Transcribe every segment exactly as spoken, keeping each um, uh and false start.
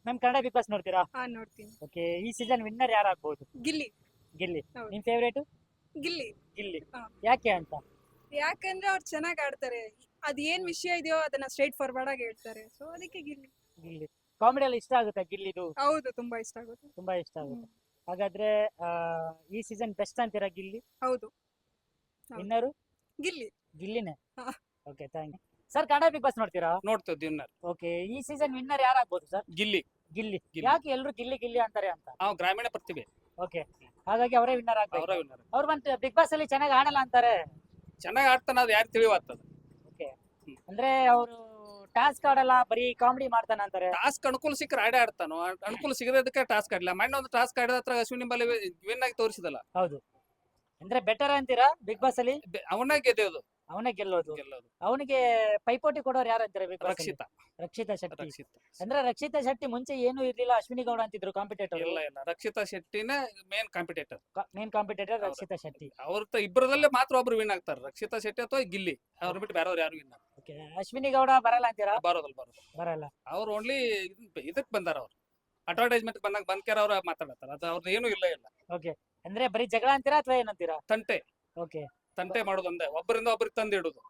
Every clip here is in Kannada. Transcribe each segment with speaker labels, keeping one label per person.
Speaker 1: ಮ್ಯಾಮ್ ಕನ್ನಡ ಬಿಗ್ ಬಾಸ್ ನೋಡ್ತೀರಾ?
Speaker 2: ಹಾ ನೋಡ್ತೀನಿ.
Speaker 1: ಓಕೆ, ಈ ಸೀಸನ್ ವಿನ್ನರ್ ಯಾರು ಆಗ್ಬೋದು?
Speaker 2: ಗಿಲ್ಲಿ.
Speaker 1: ಗಿಲ್ಲಿ.
Speaker 2: ಹೌದು.
Speaker 1: ನಿಮ್ ಫೇವರೇಟ್?
Speaker 2: ಗಿಲ್ಲಿ.
Speaker 1: ಗಿಲ್ಲಿ.
Speaker 2: ಹಾ.
Speaker 1: ಯಾಕೆ ಅಂತ?
Speaker 2: ಯಾಕಂದ್ರೆ ಅವ್ರು ಚೆನ್ನಾಗಿ ಆಡ್ತಾರೆ. ಅದ್ ಏನ್ ವಿಷಯ ಇದೆಯೋ ಅದನ್ನ ಸ್ಟ್ರೈಟ್ ಫಾರ್ವರ್ಡ್ ಆಗಿ ಹೇಳ್ತಾರೆ. ಸೊ ಅದಕ್ಕೆ ಗಿಲ್ಲಿ.
Speaker 1: ಗಿಲ್ಲಿ ಕಾಮಿಡಿ ಅಲ್ಲಿ ಇಷ್ಟ ಆಗುತ್ತಾ ಗಿಲ್ಲಿದು?
Speaker 2: ಹೌದು, ತುಂಬಾ ಇಷ್ಟ ಆಗುತ್ತೆ.
Speaker 1: ತುಂಬಾ ಇಷ್ಟ ಆಗುತ್ತೆ.
Speaker 2: ಹ್ಮ್.
Speaker 1: ಹಾಗಾದ್ರೆ ಆ, ಈ ಸೀಸನ್ ಬೆಸ್ಟ್ ಅಂತೀರಾ ಗಿಲ್ಲಿ?
Speaker 2: ಹೌದು. ಹೌದು.
Speaker 1: ವಿನ್ನರು
Speaker 2: ಗಿಲ್ಲಿ.
Speaker 1: ಗಿಲ್ಲಿನೇ.
Speaker 2: ಹಾ.
Speaker 1: Okay, thank you. Sir Kannada Bigg Boss ನೋಡ್ತೀರಾ?
Speaker 3: ನೋಡ್ತೇವೆ ವಿನ್ನರ್
Speaker 1: ಓಕೆ, ಈ ಸೀಸನ್ ವಿನ್ನರ್ ಯಾರು ಆಗ್ಬೋದು ಸರ್?
Speaker 3: ಗಿಲ್ಲಿ.
Speaker 1: ಗಿಲ್ಲಿ.
Speaker 3: ಗಿಲ್ಲಿ.
Speaker 1: ಯಾಕೆ ಎಲ್ರು ಗಿಲ್ಲಿ ಗಿಲ್ಲಿ ಅಂತಾರೆ ಅಂತ?
Speaker 3: ನಾವು ಗ್ರಾಮೀಣ ಪ್ರತಿಭೆ
Speaker 1: ಓಕೆ, ಹಾಗಾಗಿ ಅವರೇ ವಿನ್ನರ್
Speaker 3: ಅವರ
Speaker 1: ಆಗ್ಬೇಕು.
Speaker 3: ವಿನ್ನರ್.
Speaker 1: ಅವ್ರು ಬಂತು ಬಿಗ್ ಬಾಸ್ ಅಲ್ಲಿ ಚೆನ್ನಾಗಿ ಆಡಲ್ಲ ಅಂತಾರೆ.
Speaker 3: ಚೆನ್ನಾಗಿ ಆಡ್ತಾನ ಅದು ಯಾರು ತಿಳಿವಾಗ್ತದ.
Speaker 1: ಓಕೆ, ಅಂದ್ರೆ ಅವರು ಟಾಸ್ಕ್ ಆಡಲ್ಲ, ಬರೀ ಕಾಮಿಡಿ ಮಾಡ್ತಾನೆ ಅಂತಾರೆ.
Speaker 3: ಟಾಸ್ಕ್ ಅನುಕೂಲ ಸಿಕ್ಕರೆ ಆಡೇ ಆಡ್ತಾನೋ, ಅನುಕೂಲ ಸಿಗದಕ್ಕೆ ಟಾಸ್ಕ್ ಆಡಲ್ಲ. ಮೊನ್ನೆ ಒಂದು ಟಾಸ್ಕ್ ಆಡಿದ ಹತ್ರ ಅಶ್ವಿನಿ ಬಲ್ಲಿ ವಿನ್ ಆಗಿ ತೋರಿಸಿದಲ್ಲ,
Speaker 1: ಹೌದು, ಅಂದ್ರೆ ಬೆಟರ್ ಅಂತೀರಾ ಬಿಗ್ ಬಾಸ್ ಅಲ್ಲಿ?
Speaker 3: ಬೆ- ಅವನೇ ಗೆದ್ದೆಯೋದು
Speaker 1: ಅವನೇ ಗೆಲ್ಲೋದು.
Speaker 3: ಗೆಲ್ಲೋದು.
Speaker 1: ಅವನಿಗೆ ಪೈಪೋಟಿ ಕೊಡೋರು ಯಾರು ಅಂತಾರೆ ಬಿಗ್ ಬಾಸ್?
Speaker 3: ರಕ್ಷಿತಾ
Speaker 1: ರಕ್ಷಿತಾ ಶೆಟ್ಟಿ.
Speaker 3: ರಕ್ಷಿತಾ
Speaker 1: ಅಂದ್ರೆ ರಕ್ಷಿತಾ ಶೆಟ್ಟಿ ಮುಂಚೆ ಏನೂ ಇರ್ಲಿಲ್ಲ, ಅಶ್ವಿನಿ ಗೌಡ ಅಂತಿದ್ರು ಕಾಂಪಿಟೇಟರ್.
Speaker 3: ಇಲ್ಲ ಇಲ್ಲ ರಕ್ಷಿತಾ ಶೆಟ್ಟಿನೇ ಮೇನ್ ಕಾಂಪಿಟೇಟರ್.
Speaker 1: ಮೇನ್ ಕಾಂಪಿಟೇಟರ್
Speaker 3: ಹೌದು.
Speaker 1: ರಕ್ಷಿತಾ ಶೆಟ್ಟಿ.
Speaker 3: ಅವ್ರ ಇಬ್ಬರದಲ್ಲೇ ಮಾತ್ರ ಒಬ್ರು ವಿನ್ ಆಗ್ತಾರೆ, ರಕ್ಷಿತಾ ಶೆಟ್ಟಿ ಅಥವಾ ಗಿಲ್ಲಿ. ಅವ್ರ ಬಿಟ್ಟು ಬೇರೆಯವ್ರು ಯಾರು ವಿನ್
Speaker 1: ಓಕೆ, ಅಶ್ವಿನಿ ಗೌಡ ಬರಲ್ಲ ಅಂತೀರಾ?
Speaker 3: ಬರೋದಲ್ಲ ಬರೋದು.
Speaker 1: ಬರಲ್ಲ.
Speaker 3: ಅವ್ರು ಓನ್ಲಿ ಇದಕ್ ಬಂದಾರ, ಅವ್ರು ಅಡ್ವರ್ಟೈಸ್ಮೆಂಟ್ ಬಂದಾಗ ಬಂದ್ಕ್ಯಾರ ಅವ್ರ ಮಾತಾಡತ್ತಾರ. ಅದು ಅವ್ರದ್ದು ಏನು ಇಲ್ಲ ಇಲ್ಲ
Speaker 1: ಓಕೆ, ಅಂದ್ರೆ ಬರೀ ಜಗಳ ಅಂತೀರಾ ಅಥವಾ ಏನಂತೀರಾ?
Speaker 3: ತಂಟೆ
Speaker 1: ಓಕೆ,
Speaker 3: ತಂಟೆ ಮಾಡೋದು ಒಂದೇ, ಒಬ್ಬರಿಂದ ಒಬ್ರಿಗೆ ತಂದಿಡುದು.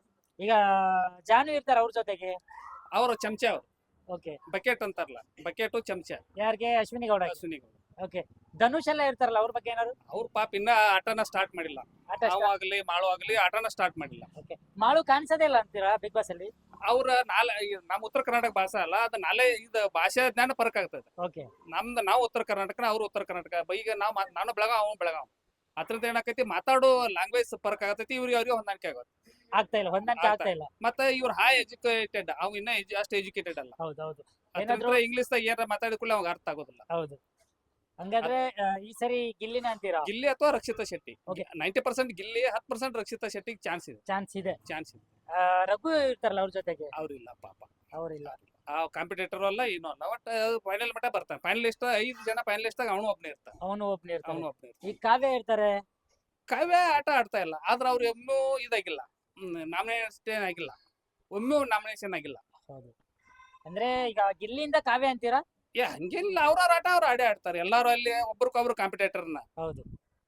Speaker 1: ಈಗ ಜಾನು ಇರ್ತಾರ ಅವ್ರ ಜೊತೆಗೆ.
Speaker 3: ಅವ್ರ ಚಮಚ ಅವ್ರು
Speaker 1: ಓಕೆ,
Speaker 3: ಬಕೆಟ್ ಅಂತಾರಲ್ಲ, ಬಕೆಟು ಚಮಚ
Speaker 1: ಯಾರಿಗೆ? ಅಶ್ವಿನಿ ಗೌಡ.
Speaker 3: ಅಶ್ವಿನಿ ಗೌಡ.
Speaker 1: ಓಕೆ, ಧನುಷ್ ಎಲ್ಲ ಇರ್ತಾರಲ್ಲ ಅವ್ರ ಬಗ್ಗೆ ಏನಾದ್ರು?
Speaker 3: ಅವ್ರ ಪಾಪ ಇನ್ನ ಆಟನ ಸ್ಟಾರ್ಟ್ ಮಾಡಿಲ್ಲ.
Speaker 1: ಆಟ
Speaker 3: ನಾವು ಆಗ್ಲಿ ಮಾಳು ಆಗ್ಲಿ ಆಟನ ಸ್ಟಾರ್ಟ್ ಮಾಡಿಲ್ಲ.
Speaker 1: ಓಕೆ, ಮಾಳು ಕಾಣಿಸೋದೇ ಇಲ್ಲ ಅಂತೀರಾ ಬಿಗ್ ಬಾಸ್ ಅಲ್ಲಿ?
Speaker 3: ಅವ್ರ ನಾಳೆ ನಮ್ಮ ಉತ್ತರ ಕರ್ನಾಟಕ ಭಾಷೆ ಅಲ್ಲ, ಅದು ನಾಳೆ ಇದು ಭಾಷೆ ಜ್ಞಾನ ಫರಕ್ ಆಗ್ತದೆ.
Speaker 1: ಓಕೆ,
Speaker 3: ನಮ್ದು ನಾವು ಉತ್ತರ ಕರ್ನಾಟಕ, ಅವ್ರು ಉತ್ತರ ಕರ್ನಾಟಕ. ಈಗ ನಾವು ನಾನು ಬೆಳಗಾವ್, ಅವ್ನು ಬೆಳಗಾವ್. ಅದ್ರದ್ದು ಏನಾಕೈತಿ, ಮಾತಾಡೋ ಲ್ಯಾಂಗ್ವೇಜ್ ಫರಕ್ ಆಗತೈತಿ. ಇವ್ರಿಗೆ ಅವ್ರಿಗೆ ಹೊಂದಾಣಿಕೆ ಆಗುತ್ತೆ.
Speaker 1: ಆಗ್ತಾ ಇಲ್ಲ, ಹೊಂದಾಣಿಕೆ
Speaker 3: ಆಗ್ತಾ
Speaker 1: ಆಗ್ತಾ ಇಲ್ಲ.
Speaker 3: ಮತ್ತೆ ಇವ್ರು ಹೈ ಎಜುಕೇಟೆಡ್, ಅವ್ ಇನ್ನ edu- ಅಷ್ಟು ಎಜುಕೇಟೆಡ್ ಅಲ್ಲ.
Speaker 1: ಹೌದು ಹೌದು
Speaker 3: ಅದ್ರ
Speaker 1: ಏನಾದ್ರು-
Speaker 3: ಇಂಗ್ಲಿಷ್ ದಾಗ ಏನಾರ ಮಾತಾಡಿಕೊಳ್ಳಿ ಅವಾಗ ಅರ್ಥ ಆಗೋದಿಲ್ಲ.
Speaker 1: ಹೌದು. ಹಂಗಾದ್ರೆ ಆ, ಈ ಸರಿ ಗಿಲ್ಲಿನ ಅಂತೀರಾ?
Speaker 3: ಗಿಲ್ಲಿ ಅಥವಾ Rakshita Shetty.
Speaker 1: Okay.
Speaker 3: Ninety percent Gilli, ಹತ್ತು ಪರ್ಸೆಂಟ್ ರಕ್ಷಿತಾ ಶೆಟ್ಟಿಗೆ ಚಾನ್ಸ್ ಇದೆ.
Speaker 1: ಚಾನ್ಸ್ ಇದೆ.
Speaker 3: ಚಾನ್ಸ್ ಇದೆ.
Speaker 1: ಆ, ರಘು ಇರ್ತಾರಲ್ಲ ಅವ್ರ ಜೊತೆಗೆ?
Speaker 3: ಅವ್ರಿಲ್ಲ ಪಾಪ,
Speaker 1: ಅವರಿಲ್ಲ.
Speaker 3: ಆ ಕಾಂಪಿಟೇಟರ್ ಅಲ್ಲ ಏನೋ ಅಲ್ಲ. ಬಟ್ ಫೈನಲ್ ಮಟ್ಟ ಬರ್ತಾನೆ. ಫೈನಲಿಸ್ಟ್ ಐದು ಜನ ಫೈನಲಿಸ್ಟ್ ಅವನು ಒಬ್ಬನೇ ಇರ್ತಾನೆ.
Speaker 1: ಅವನು ಒಬ್ನೇ ಇರ್ತಾನೆ.
Speaker 3: ಅವನು ಒಬ್ಬನೇ ಇರ್ತಾನೆ.
Speaker 1: ಈಗ ಕಾವ್ಯ ಇರ್ತಾರೆ.
Speaker 3: ಕಾವ್ಯ ಆಟ ಆಡ್ತಾ ಇಲ್ಲ, ಆದ್ರೆ ಅವ್ರು ಒಮ್ಮೂ ಇದಾಗಿಲ್ಲ, ನಾಮಿನೇಷನ್ ಆಗಿಲ್ಲ, ಒಮ್ಮೆ ನಾಮಿನೇಷನ್ ಆಗಿಲ್ಲ.
Speaker 1: ಹೌದು, ಅಂದ್ರೆ ಈಗ ಗಿಲ್ಲಿಂದ ಕಾವ್ಯ ಅಂತೀರಾ?
Speaker 3: ಏ ಹಂಗಿಲ್ಲ, ಅವ್ರವ್ರ ಆಟ ಅವ್ರು ಆಡೇ ಆಡ್ತಾರೆ. ಎಲ್ಲಾರು ಅಲ್ಲಿ ಒಬ್ರಿಗೊಬ್ರು ಕಾಂಪಿಟೇಟರ್ನ.
Speaker 1: ಹೌದು,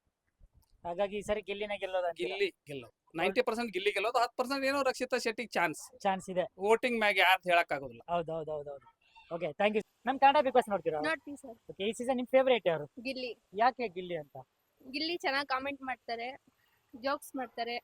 Speaker 1: ಹಾಗಾಗಿ ಈ ಸರಿ ಗಿಲ್ಲಿನ ಗೆಲ್ಲೋದ?
Speaker 3: ಗಿಲ್ಲಿ ಗೆಲ್ಲೋದು ನೈಂಟಿ ಪರ್ಸೆಂಟ್ ಗಿಲ್ಲಿ ಗೆಲ್ಲೋದು, ಹತ್ತು ಪರ್ಸೆಂಟ್ ಏನೋ ರಕ್ಷಿತಾ ಶೆಟ್ಟಿಗೆ ಚಾನ್ಸ್
Speaker 1: ಚಾನ್ಸ್ ಇದೆ.
Speaker 3: ವೋಟಿಂಗ್ ಮ್ಯಾಗ ಯಾರು ಹೇಳಕ್ ಆಗೋದಿಲ್ಲ.
Speaker 1: ಹೌದು ಹೌದು ಹೌದು ಹೌದು. Okay, thank you. ನಮ್ ಕನ್ನಡ ಬಿಗ್ ಬಾಸ್ ನೋಡ್ತೀರಾ?
Speaker 4: ನೋಡ್ತೀನಿ ಸರ್.
Speaker 1: ಓಕೆ, ಈ ಸೀಸನ್ ನಿಮ್ ಫೇವರೇಟ್ ಯಾರು?
Speaker 4: ಗಿಲ್ಲಿ.
Speaker 1: ಯಾಕೆ ಗಿಲ್ಲಿ ಅಂತ?
Speaker 4: ಗಿಲ್ಲಿ ಚೆನ್ನಾಗಿ ಕಾಮೆಂಟ್ ಮಾಡ್ತಾರೆ, ಜೋಕ್ಸ್ ಮಾಡ್ತಾರೆ.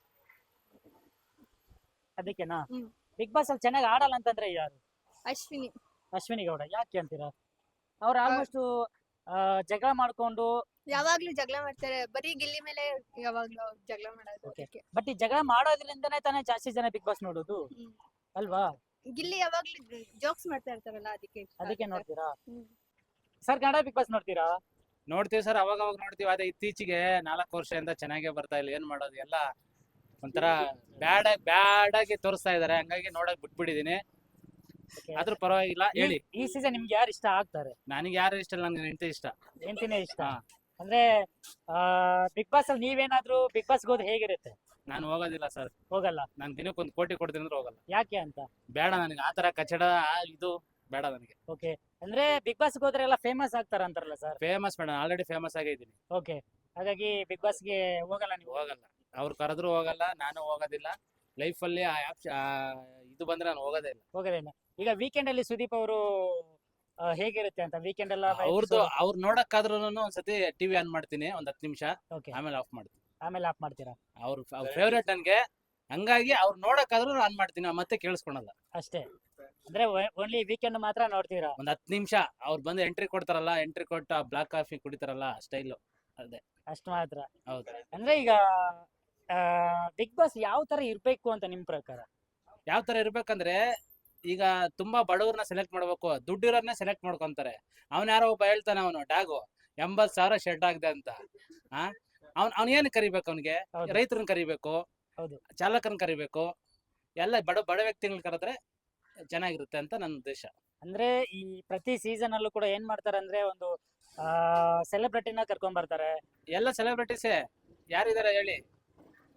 Speaker 1: ಅದಕ್ಕೆನಾ?
Speaker 4: ಹ್ಮ್.
Speaker 1: ಬಿಗ್ ಬಾಸ್ ಅಲ್ಲಿ ಚೆನ್ನಾಗಿ ಆಡಲ್ಲ ಅಂತಂದ್ರೆ ಯಾರು?
Speaker 4: ಅಶ್ವಿನಿ.
Speaker 1: ಅಶ್ವಿನಿ ಗೌಡ. ಯಾಕೆ ಅಂತೀರಾ? ಅವ್ರು ಆಲ್ಮೋಸ್ಟ್ ಜಗಳ ಮಾಡ್ಕೊಂಡು,
Speaker 4: ಯಾವಾಗ್ಲೂ ಜಗಳ ಮಾಡ್ತಾರೆ, ಬರೀ ಗಿಲ್ಲಿ ಮೇಲೆ ಯಾವಾಗ್ಲೂ ಜಗಳ ಮಾಡೋದು.
Speaker 1: Okay.
Speaker 4: ಅದಕ್ಕೆ.
Speaker 1: ಬಟ್ ಈ ಜಗಳ ಮಾಡೋದ್ರಿಂದನೇ ತಾನೇ ಜಾಸ್ತಿ ಜನ ಬಿಗ್ ಬಾಸ್ ನೋಡೋದು
Speaker 4: ಹ್ಮ್.
Speaker 1: ಅಲ್ವಾ?
Speaker 4: ಗಿಲ್ಲಿ ಯಾವಾಗ್ಲೂ ಜೋಕ್ಸ್ ಮಾಡ್ತಾ ಇರ್ತಾರಲ್ಲ, ಅದಕ್ಕೆ ಇಷ್ಟ
Speaker 1: ಅದಕ್ಕೆ
Speaker 4: ಆಗುತ್ತೆ.
Speaker 1: ನೋಡ್ತೀರಾ?
Speaker 4: ಹ್ಮ್.
Speaker 1: ಸರ್ ಕನ್ನಡ ಬಿಗ್ ಬಾಸ್ ನೋಡ್ತೀರಾ?
Speaker 5: ನೋಡ್ತೀವಿ ಸರ್, ಅವಾಗ ಅವಾಗ ನೋಡ್ತೀವಿ. ಅದೇ ಇತ್ತೀಚೆಗೆ ನಾಲ್ಕು ವರ್ಷದಿಂದ ಚೆನ್ನಾಗೇ ಬರ್ತಾ ಇಲ್ಲ. ಏನ್ ಮಾಡೋದು, ಎಲ್ಲ ಒಂಥರ ಬ್ಯಾಡ್ ಬ್ಯಾಡ್ ಆಗಿ ತೋರಿಸ್ತಾ ಇದಾರೆ. ಹಂಗಾಗಿ ನೋಡಕ್ ಬಿಟ್ಬಿಟ್ಟಿದೀನಿ.
Speaker 1: Okay.
Speaker 5: ಆದ್ರೂ ಪರವಾಗಿಲ್ಲ, ಹೇಳಿ.
Speaker 1: ಈ ಸೀಸನ್ ನಿಮ್ಗೆ ಯಾರು ಇಷ್ಟ ಆಗ್ತಾರೆ?
Speaker 5: ನನಗೆ ಯಾರು ಇಷ್ಟ ಇಲ್ಲ, ನನ್ಗೆ ಹೆಂಡತಿ ಇಷ್ಟ.
Speaker 1: ಹೆಂಡತಿನೇ ಇಷ್ಟ.
Speaker 5: ಹಾ.
Speaker 1: ಅಂದ್ರೆ ಬಿಗ್ ಬಾಸ್ ಅಲ್ಲಿ ನೀವೇನಾದ್ರೂ ಬಿಗ್ ಬಾಸ್ ಹೋದ್ ಹೇಗಿರುತ್ತೆ?
Speaker 5: ನಾನು ಹೋಗೋದಿಲ್ಲ ಸರ್.
Speaker 1: ಹೋಗಲ್ಲ.
Speaker 5: ನಾನು ದಿನಕ್ಕೆ ಒಂದು ಕೋಟಿ ಕೊಡ್ತೀನಿ ಅಂದ್ರೆ ಹೋಗಲ್ಲ.
Speaker 1: ಯಾಕೆ ಅಂತ?
Speaker 5: ಬೇಡ ನನಗೆ ಆತರ ಕಚಡ ಆ ಇದು ಬೇಡ ನನಗೆ.
Speaker 1: ಓಕೆ, ಅಂದ್ರೆ ಬಿಗ್ ಬಾಸ್ ಹೋದ್ರೆ ಎಲ್ಲ ಫೇಮಸ್ ಆಗ್ತಾರ ಅಂತಾರಲ್ಲ ಸರ್?
Speaker 5: ಫೇಮಸ್ ಬೇಡ, ಆಲ್ರೆಡಿ ಫೇಮಸ್ ಆಗಿದ್ದೀನಿ.
Speaker 1: ಓಕೆ, ಹಾಗಾಗಿ ಬಿಗ್ ಬಾಸ್ಗೆ ಹೋಗಲ್ಲ ನೀವು?
Speaker 5: ಹೋಗಲ್ಲ, ಅವ್ರು ಕರೆದ್ರು ಹೋಗಲ್ಲ, ನಾನು ಹೋಗೋದಿಲ್ಲ. ಲೈಫ್ ಅಲ್ಲಿ ಆ ಆಪ್- ಆ ಇದು ಬಂದ್ರೆ ನಾನು ಹೋಗೋದೇ ಇಲ್ಲ.
Speaker 1: ಹೋಗೋದೇನ? ಈಗ ವೀಕೆಂಡ್ ಅಲ್ಲಿ ಸುದೀಪ್ ಅವರು ಹೇಗಿರುತ್ತೆ ಅಂತ ವೀಕೆಂಡ್ ಎಲ್ಲ
Speaker 5: ಅವ್ರದ್ದು ಅವ್ರು ನೋಡಕ್ಕಾದ್ರೂ ಒಂದ್ಸತಿ ಟಿವಿ ಆನ್ ಮಾಡ್ತೀನಿ ಒಂದ್ ಹತ್ತು ನಿಮಿಷ,
Speaker 1: ಓಕೆ,
Speaker 5: ಆಮೇಲೆ ಆಫ್ ಮಾಡ್ತೀನಿ.
Speaker 1: ಆಮೇಲೆ ಆಫ್ ಮಾಡ್ತೀರಾ?
Speaker 5: ಅವ್ರ ಫೇವ್ರೇಟ್ ನನ್ಗೆ, ಹಂಗಾಗಿ ಅವ್ರು ನೋಡಕ್ಕಾದ್ರೂ ಆನ್ ಮಾಡ್ತೀನಿ, ಮತ್ತೆ ಕೇಳಿಸ್ಕೊಳಲ್ಲ.
Speaker 1: ಅಷ್ಟೇ, ಅಂದ್ರೆ ಓನ್ಲಿ ವೀಕೆಂಡ್ ಮಾತ್ರ ನೋಡ್ತೀರಾ?
Speaker 5: ಒಂದ್ ಹತ್ತು ನಿಮಿಷ ಅವ್ರು ಬಂದು ಎಂಟ್ರಿ ಕೊಡ್ತಾರಲ್ಲ, ಎಂಟ್ರಿ ಕೊಟ್ಟು ಬ್ಲಾಕ್ ಕಾಫಿ ಕುಡಿತಾರಲ್ಲ, ಸ್ಟೈಲು ಅದೇ.
Speaker 1: ಅಷ್ಟು ಮಾತ್ರ?
Speaker 5: ಹೌದು.
Speaker 1: ಅಂದ್ರೆ ಈಗ ಬಿಗ್ ಬಾಸ್ ಯಾವ ತರ ಇರ್ಬೇಕು ಅಂತ ನಿಮ್ ಪ್ರಕಾರ?
Speaker 5: ಯಾವ ತರ ಇರ್ಬೇಕಂದ್ರೆ, ಈಗ ತುಂಬಾ ಬಡವ್ರನ್ನ ಸೆಲೆಕ್ಟ್ ಮಾಡ್ಬೇಕು, ದುಡ್ಡಿರೋರ್ನ ಸೆಲೆಕ್ಟ್ ಮಾಡ್ಕೊಂತಾರೆ. ಅವ್ನ ಯಾರೋ ಒಬ್ಬ ಹೇಳ್ತಾನೆ, ಅವನು ಡಾಗು ಎಂಬತ್ ಸಾವಿರ ಶೆಡ್ ಆಗದೆ ಅಂತ. ಆ ಅವ್ನ್ ಅವ್ನ ಏನ್ ಕರಿಬೇಕು? ಅವ್ನಿಗೆ
Speaker 1: ಹೌದು.
Speaker 5: ರೈತರನ್ನ ಕರಿಬೇಕು,
Speaker 1: ಹೌದು.
Speaker 5: ಚಾಲಕರನ್ನ ಕರಿಬೇಕು, ಎಲ್ಲ ಬಡ ಬಡ ವ್ಯಕ್ತಿಗಳನ್ನ ಕರೆದ್ರೆ ಚೆನ್ನಾಗಿರುತ್ತೆ ಅಂತ ನನ್ನ ಉದ್ದೇಶ.
Speaker 1: ಅಂದ್ರೆ ಈ ಪ್ರತಿ ಸೀಸನ್ ಅಲ್ಲೂ ಕೂಡ ಏನ್ ಮಾಡ್ತಾರೆ ಅಂದ್ರೆ ಒಂದು ಆ ಸೆಲೆಬ್ರಿಟಿನ ಕರ್ಕೊಂಡ್ ಬರ್ತಾರೆ.
Speaker 5: ಎಲ್ಲ ಸೆಲೆಬ್ರಿಟೀಸೇ ಯಾರಿದಾರೆ ಹೇಳಿ?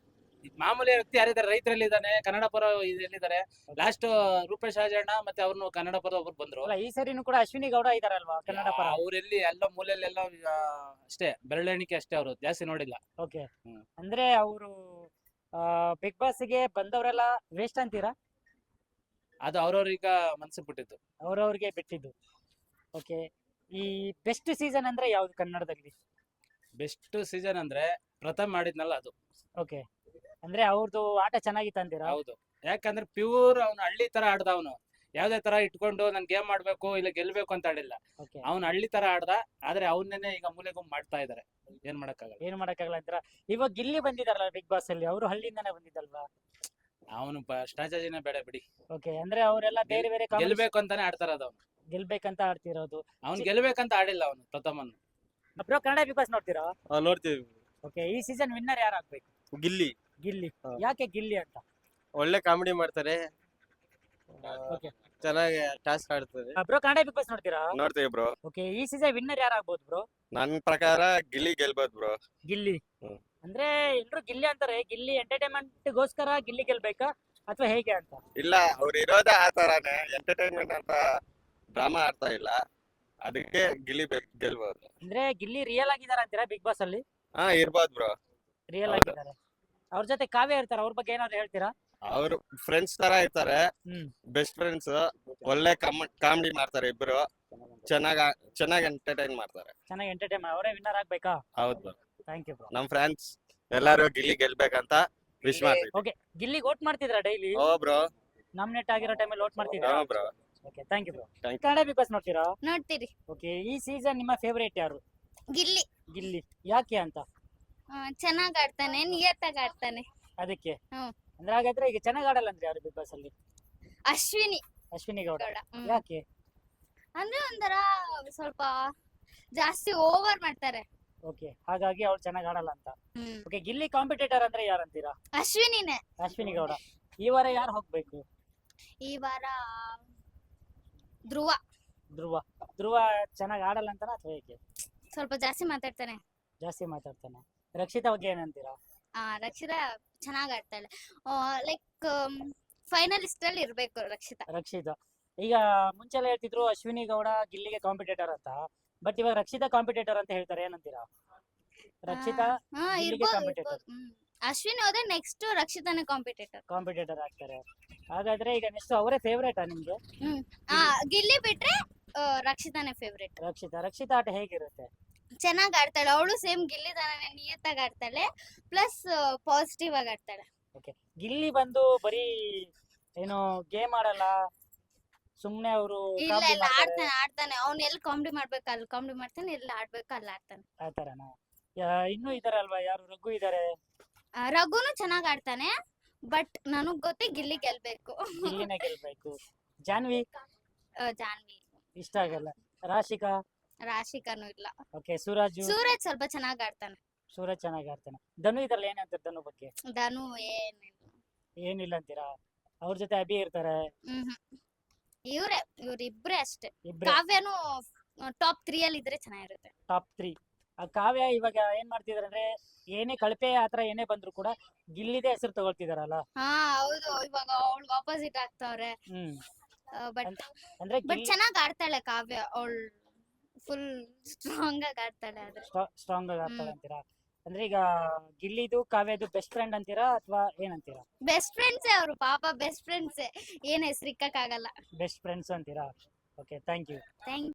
Speaker 5: ಮಾಮೂಲಿ ವ್ಯಕ್ತಿ ಯಾರಿದ್ದಾರೆ, ರೈತರಲ್ಲಿ ಇದ್ದಾನೆ, ಕನ್ನಡ ಪರ ಎಲ್ಲಿದ್ದಾರೆ. ಲಾಸ್ಟ್ ರೂಪೇಶ್ ರಾಜಣ್ಣ ಮತ್ತೆ ಅವ್ರನ್ನು ಕನ್ನಡ ಪರ ಒಬ್ರು ಬಂದ್ರು.
Speaker 1: ಅಲ್ಲ ಈ ಸರಿನೂ ಕೂಡ ಅಶ್ವಿನಿ ಗೌಡ ಇದಾರಲ್ವಾ ಕನ್ನಡ ಪರ.
Speaker 5: ಅವ್ರೆಲ್ಲಿ ಎಲ್ಲ ಮೂಲೆಯಲ್ಲೆಲ್ಲ ಆ, ಅಷ್ಟೇ ಬೆರಳೆಣಿಕೆ ಅಷ್ಟೇ, ಅವರು ಜಾಸ್ತಿ ನೋಡಿಲ್ಲ.
Speaker 1: ಓಕೆ
Speaker 5: ಹ್ಮ್.
Speaker 1: ಅಂದ್ರೆ ಅವರು ಬಿಗ್ ಬಾಸ್ ಗೆ ಬಂದವರೆಲ್ಲ ವೇಸ್ಟ್ ಅಂತೀರಾ?
Speaker 5: ಅದು ಅವ್ರವ್ರೀಗ ಮನ್ಸಿಗೆ ಬಿಟ್ಟಿದ್ದು.
Speaker 1: ಅವ್ರವ್ರಿಗೆ ಬಿಟ್ಟಿದ್ದು. ಓಕೆ, ಈ ಬೆಸ್ಟ್ ಸೀಸನ್ ಅಂದ್ರೆ ಯಾವ್ದು ಕನ್ನಡದಲ್ಲಿ?
Speaker 5: ಬೆಸ್ಟ್ ಸೀಸನ್ ಅಂದ್ರೆ ಪ್ರಥಮ್ ಮಾಡಿದ್ನಲ್ಲ ಅದು.
Speaker 1: ಓಕೆ, ಅಂದ್ರೆ ಅವ್ರದ್ದು ಆಟ ಚೆನ್ನಾಗಿತ್ತು ಅಂತೀರಾ?
Speaker 5: ಹೌದು, ಯಾಕಂದ್ರೆ ಪ್ಯೂರ್ ಅವ್ನು ಹಳ್ಳಿ ತರ ಆಡ್ದ. ಅವನು ಯಾವ್ದೇ ತರ ಇಟ್ಕೊಂಡು ನನ್ ಗೇಮ್ ಮಾಡ್ಬೇಕು ಇಲ್ಲ ಗೆಲ್ಬೇಕು ಅಂತ ಆಡಿಲ್ಲ.
Speaker 1: ಓಕೆ,
Speaker 5: ಅವ್ನು ಹಳ್ಳಿ ತರ ಆಡ್ದ. ಆದ್ರೆ ಅವನ್ನೇ ಈಗ ಮೂಲೆಗೂ ಮಾಡ್ತಾ ಇದಾರೆ. ಏನ್ ಮಾಡಕ್ಕಾಗಲ್ಲ.
Speaker 1: ಏನ್ ಮಾಡಕ್ಕಾಗಲ್ಲ ಅಂತೀರಾ? ಇವಾಗ ಗಿಲ್ಲಿ ಬಂದಿದಾರಲ್ಲ ಬಿಗ್ ಬಾಸ್ ಅಲ್ಲಿ, ಅವರು ಹಳ್ಳಿಯಿಂದಾನೆ ಬಂದಿದ್ದಲ್ವಾ?
Speaker 5: ಅವನು ಸ್ಟ್ರಾಟಜಿನೇ ಬೇಡ ಬಿಡಿ.
Speaker 1: ಓಕೆ, ಅಂದ್ರೆ ಅವರೆಲ್ಲ ಬೇರೆ ಬೇರೆ comedy-
Speaker 5: ಗೆಲ್ಬೇಕು ಅಂತಾನೆ ಆಡ್ತಾರದು. ಅವ್ನು
Speaker 1: ಗೆಲ್ಬೇಕಂತ ಆಡ್ತಿರೋದು.
Speaker 5: ಅವ್ನು ಗೆಲ್ಬೇಕಂತ ಆಡಿಲ್ಲ ಅವನು ಪ್ರಥಮನ್.
Speaker 1: ಬ್ರೋ, ಕನ್ನಡ ಬಿಗ್ ಬಾಸ್ ನೋಡ್ತೀರಾ?
Speaker 6: ನೋಡ್ತೀವಿ.
Speaker 1: ಓಕೆ, ಈ ಸೀಸನ್ ವಿನ್ನರ್ ಯಾರಾಗ್ಬೇಕು?
Speaker 6: ಗಿಲ್ಲಿ
Speaker 1: ಗಿಲ್ಲಿ.
Speaker 6: ಹಾ.
Speaker 1: ಯಾಕೆ ಗಿಲ್ಲಿ ಅಂತ?
Speaker 6: ಒಳ್ಳೆ ಕಾಮಿಡಿ ಮಾಡ್ತಾರೆ,
Speaker 1: ಓಕೆ
Speaker 6: ಚೆನ್ನಾಗಿ ಟಾಸ್ಕ್ ಆಡ್ತಾರೆ.
Speaker 1: ಬ್ರೋ, ಕನ್ನಡ ಬಿಗ್ ಬಾಸ್ ನೋಡ್ತೀರಾ?
Speaker 7: ನೋಡ್ತೀವಿ ಬ್ರೋ.
Speaker 1: ಓಕೆ, ಈ ಸೀಸನ್ ವಿನ್ನರ್ ಯಾರಾಗ್ಬೋದು ಬ್ರೋ?
Speaker 7: ನನ್ ಪ್ರಕಾರ ಗಿಲ್ಲಿ ಗೆಲ್ಬೋದು ಬ್ರೋ.
Speaker 1: ಗಿಲ್ಲಿ.
Speaker 7: ಹ್ಮ್.
Speaker 1: ಅಂದ್ರೆ ಎಲ್ರು ಗಿಲ್ಲಿ ಅಂತಾರೆ. ಗಿಲ್ಲಿ ಎಂಟರ್ಟೈನ್ಮೆಂಟ್ ಗೋಸ್ಕರ ಗಿಲ್ಲಿ ಗೆಲ್ಬೇಕಾ ಅಥವಾ ಹೇಗೆ ಅಂತ?
Speaker 7: ಇಲ್ಲ, ಅವ್ರು ಇರೋದೇ ಆ ತರಾನೇ, ಎಂಟರ್ಟೈನ್ಮೆಂಟ್ ಅಂತ ಡ್ರಾಮಾ ಆಡ್ತಾ ಇಲ್ಲ, ಅದಕ್ಕೆ ಗಿಲ್ಲಿ ಬೆ- ಗೆಲ್ಬೋದು.
Speaker 1: ಅಂದ್ರೆ ಗಿಲ್ಲಿ ರಿಯಲ್ ಆಗಿದಾರ ಅಂತೀರಾ ಬಿಗ್ ಬಾಸ್ ಅಲ್ಲಿ?
Speaker 7: ಹಾ, ಇರ್ಬೋದು ಬ್ರೋ.
Speaker 1: ರಿಯಲ್
Speaker 7: ಹೌದು.
Speaker 1: ಆಗಿದ್ದಾರೆ. ಅವ್ರ ಜೊತೆ ಕಾವ್ಯ ಇರ್ತಾರ, ಅವ್ರ ಬಗ್ಗೆ ಏನಾದ್ರು ಹೇಳ್ತೀರಾ?
Speaker 7: ಅವ್ರು ಫ್ರೆಂಡ್ಸ್ ತರ ಇರ್ತಾರೆ,
Speaker 1: ಹ್ಮ್.
Speaker 7: Best friends. ಒಳ್ಳೆ ಕಾಮಿಡಿ ಮಾಡ್ತಾರೆ ಇಬ್ರು, ಚೆನ್ನಾಗ ಚೆನ್ನಾಗಿ ಎಂಟರ್ಟೈನ್ ಮಾಡ್ತಾರೆ.
Speaker 1: ಚೆನ್ನಾಗಿ ಎಂಟರ್ಟೈನ್ ಅವರೇ ವಿನ್ನರ್ ಆಗ್ಬೇಕಾ?
Speaker 7: ಹೌದು ಬ್ರೋ.
Speaker 1: Thank you bro.
Speaker 7: ನಮ್ ಫ್ರೆಂಡ್ಸ್ ಎಲ್ಲಾರು ಗಿಲ್ಲಿ ಗೆಲ್ಬೇಕಂತ ವಿಶ್ ಮಾಡ್ತೀವಿ.
Speaker 1: ಓಕೆ, ಗಿಲ್ಲಿಗೆ ವೋಟ್ ಮಾಡ್ತಿದ್ರಾ ಡೈಲಿ?
Speaker 7: ಓ ಬ್ರೋ.
Speaker 1: ನಾಮಿನೇಟ್ ಆಗಿರೋ ಟೈಮಲ್ಲಿ ವೋಟ್ ಮಾಡ್ತಿದ್ರಾ?
Speaker 7: ಹಾ bro.
Speaker 1: Okay, thank you bro.
Speaker 7: Thank you.
Speaker 1: Kannada Bigg Boss ನೋಡ್ತೀರಾ?
Speaker 4: ನೋಡ್ತೀರಿ.
Speaker 1: ಓಕೆ, ಈ ಸೀಸನ್ ನಿಮ್ಮ ಫೇವರೇಟ್ ಯಾರು?
Speaker 4: ಗಿಲ್ಲಿ
Speaker 1: ಗಿಲ್ಲಿ. ಯಾಕೆ ಅಂತ?
Speaker 4: ಚೆನ್ನಾಗ್ ಆಡ್ತಾನೆ, ನಿಯತ್ತಾಗಿ ಆಡ್ತಾನೆ.
Speaker 1: ಅದಕ್ಕೆ.
Speaker 4: ಹ್ಮ್.
Speaker 1: ಅಂದ್ರೆ ಹಾಗಾದ್ರೆ ಈಗ ಚೆನ್ನಾಗಿ ಆಡಲ್ಲ ಅಂದ್ರೆ ಯಾರು ಬಿಗ್ ಬಾಸ್ ಅಲ್ಲಿ?
Speaker 4: ಅಶ್ವಿನಿ
Speaker 1: ಅಶ್ವಿನಿ ಗೌಡ.
Speaker 4: ಗೌಡ ಹ್ಮ್.
Speaker 1: ಯಾಕೆ?
Speaker 4: ಅಂದ್ರೆ ಒಂಥರ ಸ್ವಲ್ಪ ಜಾಸ್ತಿ ಓವರ್ ಮಾಡ್ತಾರೆ.
Speaker 1: ಓಕೆ, ಹಾಗಾಗಿ ಅವ್ರು ಚೆನ್ನಾಗಿ ಆಡಲ್ಲ ಅಂತ.
Speaker 4: ಹ್ಮ್.
Speaker 1: ಓಕೆ, ಗಿಲ್ಲಿ ಕಾಂಪಿಟೇಟರ್ ಅಂದ್ರೆ ಯಾರಂತೀರಾ?
Speaker 4: ಅಶ್ವಿನಿನೇ.
Speaker 1: ಅಶ್ವಿನಿ ಗೌಡ. ಈ ವಾರ ಯಾರು ಹೋಗ್ಬೇಕು?
Speaker 4: ಈ ವಾರ ಧ್ರುವ
Speaker 1: ಧ್ರುವ. ಧ್ರುವ ಚೆನ್ನಾಗಿ ಆಡಲ್ಲ ಅಂತಾನ ಅಥವಾ ಹೇಗೆ?
Speaker 4: ಸ್ವಲ್ಪ ಜಾಸ್ತಿ ಮಾತಾಡ್ತಾನೆ.
Speaker 1: ಜಾಸ್ತಿ ಮಾತಾಡ್ತಾನೆ. ರಕ್ಷಿತಾ ಬಗ್ಗೆ ಏನಂತೀರಾ?
Speaker 4: ಆ ರಕ್ಷಿತಾ ಚೆನ್ನಾಗ್ ಆಡ್ತಾಳೆ. ಲೈಕ್ ಫೈನಲಿಸ್ಟ್ ಅಲ್ಲಿ ಇರ್ಬೇಕು ರಕ್ಷಿತಾ.
Speaker 1: ರಕ್ಷಿತಾ. ಈಗ ಮುಂಚೆಲ್ಲ ಹೇಳ್ತಿದ್ರು ಅಶ್ವಿನಿ ಗೌಡ ಗಿಲ್ಲಿಗೆ ಕಾಂಪಿಟೇಟರ್ ಅಂತ, ಬಟ್ ಇವಾಗ ರಕ್ಷಿತಾ ಕಾಂಪಿಟೇಟರ್ ಅಂತ ಹೇಳ್ತಾರೆ, ಏನಂತೀರಾ? ರಕ್ಷಿತಾ
Speaker 4: ಹಾ
Speaker 1: ಗಿಲ್ಲಿಗೆ
Speaker 4: ಇರ್ಬೋದು
Speaker 1: competitor.
Speaker 4: ಇರ್ಬೋದು. ಹ್ಮ್. ಅಶ್ವಿನಿ ಹೋದ್ರೆ ನೆಕ್ಸ್ಟ್ ರಕ್ಷಿತಾನೇ ಕಾಂಪಿಟೇಟರ್.
Speaker 1: ಕಾಂಪಿಟೇಟರ್ ಆಗ್ತಾರೆ. ಹಾಗಾದ್ರೆ ಈಗ ನೆಕ್ಸ್ಟ್ ಅವರೇ ಫೇವ್ರೇಟಾ ನಿಮ್ಗೆ?
Speaker 4: ಹ್ಮ್. ಆ ಗಿಲ್ಲಿ ಬಿಟ್ರೆ ಆ, ರಕ್ಷಿತಾನೇ ಫೇವ್ರೇಟ್.
Speaker 1: ರಕ್ಷಿತಾ. ರಕ್ಷಿತಾ ಆಟ ಹೇಗಿರುತ್ತೆ?
Speaker 4: ಚೆನ್ನಾಗ್ ಆಡ್ತಾಳೆ ಅವಳು. ಸೇಮ್ ಗಿಲ್ಲಿ ತರನೇ ನಿಯತ್ತಾಗಿ ಆಡ್ತಾಳೆ, ಪ್ಲಸ್ ಪಾಸಿಟಿವ್ ಆಗಿ ಆಡ್ತಾಳೆ.
Speaker 1: ಗಿಲ್ಲಿ ಬಂದು ಬರೀ ಏನು ಗೇಮ್ ಆಡಲ್ಲ, ಸುಮ್ನೆ ಅವರು
Speaker 4: ಇಲ್ಲ ಇಲ್ಲ ಆಡ್ತಾನೆ ಆಡ್ತಾನೆ ಅವ್ನ್ ಎಲ್ಲಿ ಕಾಮಿಡಿ ಮಾಡ್ಬೇಕು ಅಲ್ಲಿ ಕಾಮಿಡಿ ಮಾಡ್ತಾನೆ, ಎಲ್ಲಿ ಆಡ್ಬೇಕು ಅಲ್ಲಿ ಆಡ್ತಾನೆ.
Speaker 1: ಆ ತರನಾ? ಇನ್ನೂ ಇದಾರಲ್ವಾ, ಯಾರು ರಘು ಇದಾರೆ.
Speaker 4: ಆ, ರಘುನು ಚೆನ್ನಾಗ್ ಆಡ್ತಾನೆ, ಬಟ್ ನನಗ್ ಗೊತ್ತೇ ಗಿಲ್ಲಿ ಗೆಲ್ಬೇಕು.
Speaker 1: ಗಿಲ್ಲಿನೇ ಗೆಲ್ಬೇಕು. ಜಾನ್ವಿ
Speaker 4: ಆ, ಜಾನ್ವಿ
Speaker 1: ಇಷ್ಟ ಆಗಲ್ಲ. ರಾಶಿಕಾ.
Speaker 4: ರಾಶಿಕಾನು ಇಲ್ಲ.
Speaker 1: ಓಕೆ, ಸೂರಾಜು.
Speaker 4: ಸೂರಜ್ ಸ್ವಲ್ಪ ಚೆನ್ನಾಗ್ ಆಡ್ತಾನೆ.
Speaker 1: ಸೂರಜ್ ಚೆನ್ನಾಗಿ ಆಡ್ತಾನೆ. ಧನು ಇದ್ರಲ್ಲ, ಏನಂತಾರೆ ಧನು ಬಗ್ಗೆ?
Speaker 4: ಧನು ಏನಿಲ್ಲ.
Speaker 1: ಏನಿಲ್ಲ ಅಂತೀರಾ? ಅವ್ರ ಜೊತೆ ಅಭಿ ಇರ್ತಾರೆ.
Speaker 4: ಹ್ಮ್ ಹ್ಮ್ ಇವ್ರೆ ಇವ್ರಿಬ್ರೆ ಅಷ್ಟೇ.
Speaker 1: ಇಬ್ರೆ
Speaker 4: ಕಾವ್ಯನು ಟಾಪ್ ತ್ರೀ ಅಲ್ಲಿ ಇದ್ರೆ ಚೆನ್ನಾಗಿರುತ್ತೆ.
Speaker 1: Top three. ಆ ಕಾವ್ಯ ಇವಾಗ ಏನ್ ಮಾಡ್ತಿದಾರೆ ಅಂದ್ರೆ, ಏನೇ ಕಳಪೆ ಆತರ ಏನೇ ಬಂದ್ರು ಕೂಡ ಗಿಲ್ಲಿದೆ ಹೆಸರು ತಗೊಳ್ತಿದಾರಲ್ಲ.
Speaker 4: ಹಾ ಹೌದು, ಇವಾಗ ಅವಳು ಆಪೋಸಿಟ್ ಆಗ್ತಾವ್ರೆ.
Speaker 1: ಹ್ಮ್.
Speaker 4: ಬಟ್
Speaker 1: ಅಂದ್ರೆ
Speaker 4: ಬಟ್ ಚೆನ್ನಾಗ್ ಆಡ್ತಾಳೆ ಕಾವ್ಯ. ಅವಳು ಫುಲ್ ಸ್ಟ್ರಾಂಗ್ ಆಗಿ ಆಡ್ತಾಳೆ. ಆದ್ರೆ
Speaker 1: ಸ್ಟ್ರಾಂಗ್ ಆಗಿ ಆಡ್ತಾಳೆ ಅಂತೀರಾ? ಅಂದ್ರೆ ಈಗ ಗಿಲ್ಲಿದು ಕಾವ್ಯದು ಬೆಸ್ಟ್ ಫ್ರೆಂಡ್ ಅಂತೀರಾ ಅಥವಾ ಏನಂತೀರಾ?
Speaker 4: ಬೆಸ್ಟ್ ಫ್ರೆಂಡ್ಸೇ ಅವರು, ಪಾಪ ಬೆಸ್ಟ್ ಫ್ರೆಂಡ್ಸೇ, ಏನ್ ಹೆಸರಿಕ್ಕಾಗಲ್ಲ.
Speaker 1: ಬೆಸ್ಟ್ ಫ್ರೆಂಡ್ಸ್ ಅಂತೀರಾ? Okay, thank you.
Speaker 4: ಥ್ಯಾಂಕ್